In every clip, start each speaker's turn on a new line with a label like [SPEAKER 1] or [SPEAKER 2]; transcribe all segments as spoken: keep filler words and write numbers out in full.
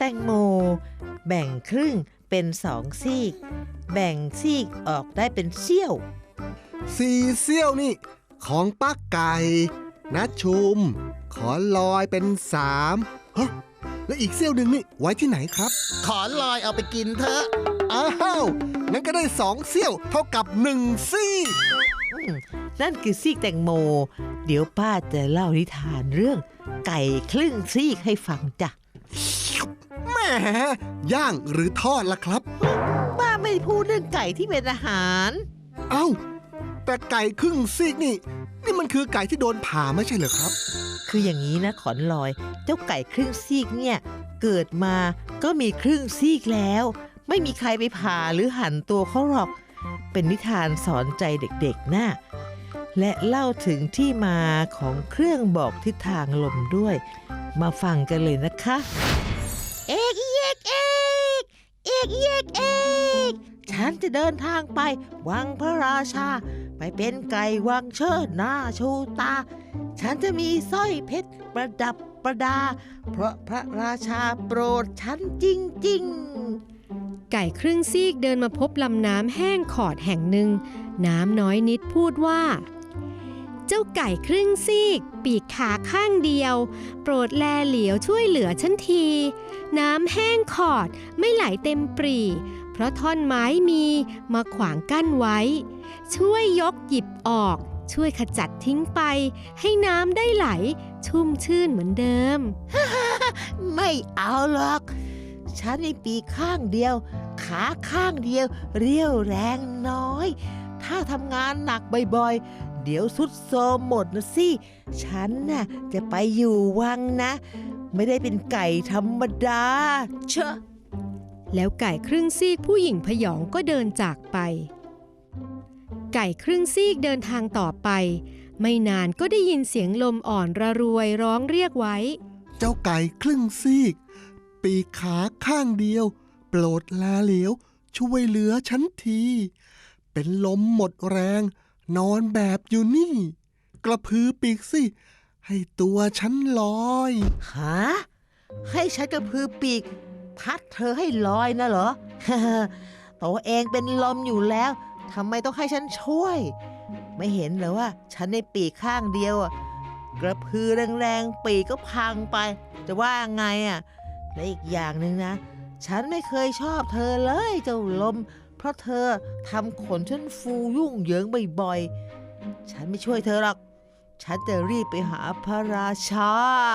[SPEAKER 1] งโมแบ่งครึ่งเป็นสองซีกแบ่งซีกออกได้เป็นเสี้ยว
[SPEAKER 2] สี่เสี้ยวนี่ของป้าไก่นะชุมขอลอยเป็นสามฮะและอีกเสี้ยวหนึ่งนี่ไว้ที่ไหนครับ
[SPEAKER 3] ขอลอยเอาไปกินเถอะ
[SPEAKER 2] อ้าวงั้นก็ได้สองเสี้ยวเท่ากับหนึ่งซี่
[SPEAKER 1] นั่นคือซีกแตงโมเดี๋ยวป้าจะเล่านิทานเรื่องไก่ครึ่งซีกให้ฟังจ้ะ
[SPEAKER 2] แหมย่างหรือทอดล่ะครับ
[SPEAKER 1] ป้าไม่พูดเรื่องไก่ที่เป็นอาหาร
[SPEAKER 2] เอ้าแต่ไก่ครึ่งซีกนี่นี่มันคือไก่ที่โดนผ่าไม่ใช่เหรอครับ
[SPEAKER 1] คืออย่างนี้นะขอนลอยเจ้าไก่ครึ่งซีกเนี่ยเกิดมาก็มีครึ่งซีกแล้วไม่มีใครไปผ่าหรือหั่นตัวเขาหรอกเป็นนิทานสอนใจเด็กๆนะและเล่าถึงที่มาของเครื่องบอกทิศทางลมด้วยมาฟังกันเลยนะคะเอกเอกเอกเอกเอกเอกฉันจะเดินทางไปวังพระราชาไปเป็นไก่วังเชิดหน้าชูตาฉันจะมีสร้อยเพชรประดับประดาเพราะพระราชาโปรดฉันจริงๆ
[SPEAKER 4] ไก่ครึ่งซีกเดินมาพบลำน้ำแห้งขอดแห่งหนึ่งน้ำน้อยนิดพูดว่าเจ้าไก่ครึ่งซีกปีกขาข้างเดียวโปรดแลเหลียวช่วยเหลือฉันทีน้ำแห้งขอดไม่ไหลเต็มปรี่เพราะท่อนไม้มีมาขวางกั้นไว้ช่วยยกหยิบออกช่วยขจัดทิ้งไปให้น้ำได้ไหลชุ่มชื่นเหมือนเดิม
[SPEAKER 1] ไม่เอาหรอกฉันมีปีกข้างเดียวขาข้างเดียวเรี่ยวแรงน้อยถ้าทำงานหนักบ่อยๆเดี๋ยวสุดโทรมหมดนะสิฉันน่ะจะไปอยู่วังนะไม่ได้เป็นไก่ธรรมดาเชอะ
[SPEAKER 4] แล้วไก่ครึ่งซีกผู้หญิงพยองก็เดินจากไปไก่ครึ่งซีกเดินทางต่อไปไม่นานก็ได้ยินเสียงลมอ่อนระรวยร้องเรียกไว้
[SPEAKER 2] เจ้าไก่ครึ่งซีกปีกขาข้างเดียวโปรดแลเหลียวช่วยเหลือฉันทีเป็นลมหมดแรงนอนแบบอยู่นี่กระพือปีกสิให้ตัวฉันลอย
[SPEAKER 1] ฮะให้ฉันกระพือปีกพัดเธอให้ลอยนะเหรอ ตัวเองเป็นลมอยู่แล้วทำไมต้องให้ฉันช่วยไม่เห็นเหรอว่าฉันในปีกข้างเดียวอ่ะกระพือแรงๆปีกก็พังไปจะว่าไงอ่ะและอีกอย่างหนึ่งนะฉันไม่เคยชอบเธอเลยเจ้าลมเพราะเธอทำขนฉันฟูยุ่งเหยิงบ่อยๆฉันไม่ช่วยเธอหรอกฉันจะรีบไปหาพระราชา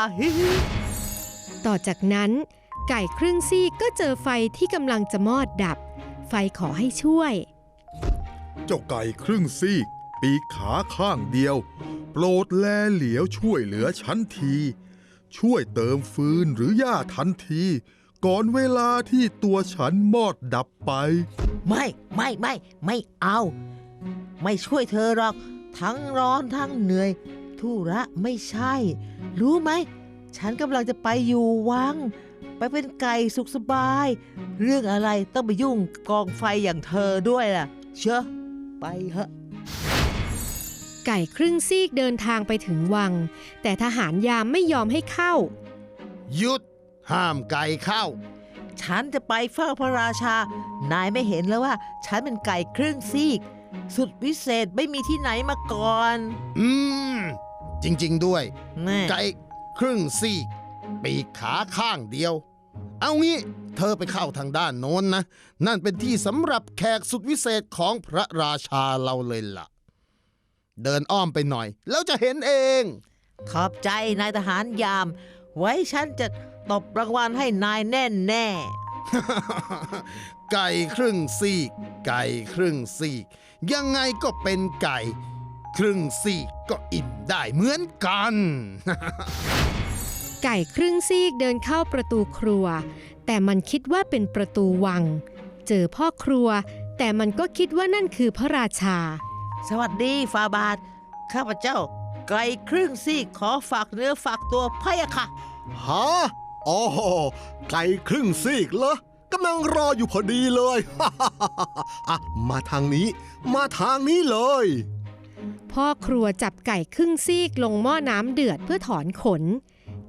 [SPEAKER 4] ต่อจากนั้นไก่ครึ่งซีกก็เจอไฟที่กำลังจะมอดดับไฟขอให้ช่วย
[SPEAKER 5] เจ้าไก่ครึ่งซีกปีกขาข้างเดียวโปรดแลเหลียวช่วยเหลือฉันทีช่วยเติมฟืนหรือหญ้าทันทีก่อนเวลาที่ตัวฉันมอดดับไป
[SPEAKER 1] ไม่ไม่ไม่ไม่เอาไม่ช่วยเธอหรอกทั้งร้อนทั้งเหนื่อยธุระไม่ใช่รู้ไหมฉันกำลังจะไปอยู่วังไปเป็นไก่สุขสบายเรื่องอะไรต้องไปยุ่งกองไฟอย่างเธอด้วยล่ะเชอะไปเถอะ
[SPEAKER 4] ไก่ครึ่งซีกเดินทางไปถึงวังแต่ทหารยามไม่ยอมให้เข้า
[SPEAKER 3] หยุดห้ามไก่เข้า
[SPEAKER 1] ฉันจะไปเฝ้าพระราชานายไม่เห็นแล้วว่าฉันเป็นไก่ครึ่งซีกสุดวิเศษไม่มีที่ไหนมาก่อน
[SPEAKER 3] อืมจริงๆด้วยไก่ครึ่งซีกปีกขาข้างเดียวเอางี้เธอไปเข้าทางด้านโน้นนะนั่นเป็นที่สำหรับแขกสุดวิเศษของพระราชาเราเลยล่ะเดินอ้อมไปหน่อยแล้วจะเห็นเอง
[SPEAKER 1] ขอบใจนายทหารยามไว้ฉันจะตบรางวัลให้นายแน่แน่
[SPEAKER 3] ไก่ครึ่งซีกไก่ครึ่งซีกยังไงก็เป็นไก่ครึ่งซีกก็อิ่มได้เหมือนกัน
[SPEAKER 4] ไก่ครึ่งซีกเดินเข้าประตูครัวแต่มันคิดว่าเป็นประตูวังเจอพ่อครัวแต่มันก็คิดว่านั่นคือพระราชา
[SPEAKER 1] สวัสดีฟาบาทข้าพเจ้าไก่ครึ่งซีกขอฝากเนื้อฝากตัวพะยะค่ะ
[SPEAKER 2] ฮะอ๋อไก่ครึ่งซีกเหรอกำลังรออยู่พอดีเลย อ่ะมาทางนี้มาทางนี้เลย
[SPEAKER 4] พ่อครัวจับไก่ครึ่งซีกลงหม้อน้ำเดือดเพื่อถอนขน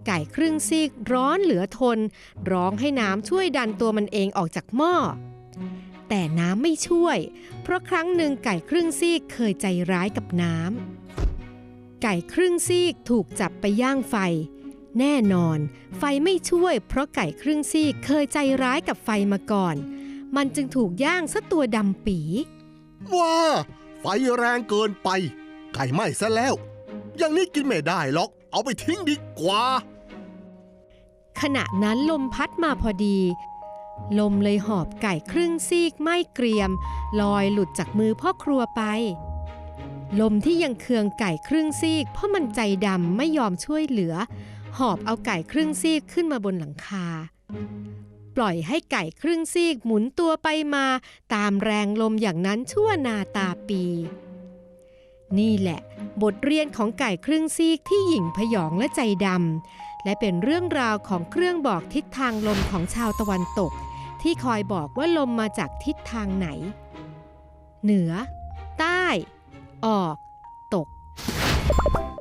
[SPEAKER 4] ไก่ครึ่งซีกร้อนเหลือทนร้องให้น้ำช่วยดันตัวมันเองออกจากหม้อแต่น้ำไม่ช่วยเพราะครั้งหนึ่งไก่ครึ่งซีกเคยใจร้ายกับน้ำไก่ครึ่งซีกถูกจับไปย่างไฟแน่นอนไฟไม่ช่วยเพราะไก่ครึ่งซีกเคยใจร้ายกับไฟมาก่อนมันจึงถูกย่างซะตัวดำปี
[SPEAKER 2] ว้าไฟแรงเกินไปไก่ไหม้ซะแล้วอย่างนี้กินไม่ได้หรอกเอาไปทิ้งดีกว่า
[SPEAKER 4] ขณะนั้นลมพัดมาพอดีลมเลยหอบไก่ครึ่งซีกไหม้เกรียมลอยหลุดจากมือพ่อครัวไปลมที่ยังเคืองไก่ครึ่งซีกเพราะมันใจดำไม่ยอมช่วยเหลือหอบเอาไก่ครึ่งซีกขึ้นมาบนหลังคาปล่อยให้ไก่ครึ่งซีกหมุนตัวไปมาตามแรงลมอย่างนั้นชั่วนาตาปีนี่แหละบทเรียนของไก่ครึ่งซีกที่หยิ่งพยองและใจดำและเป็นเรื่องราวของเครื่องบอกทิศทางลมของชาวตะวันตกที่คอยบอกว่าลมมาจากทิศทางไหนเหนือใต้ออกตก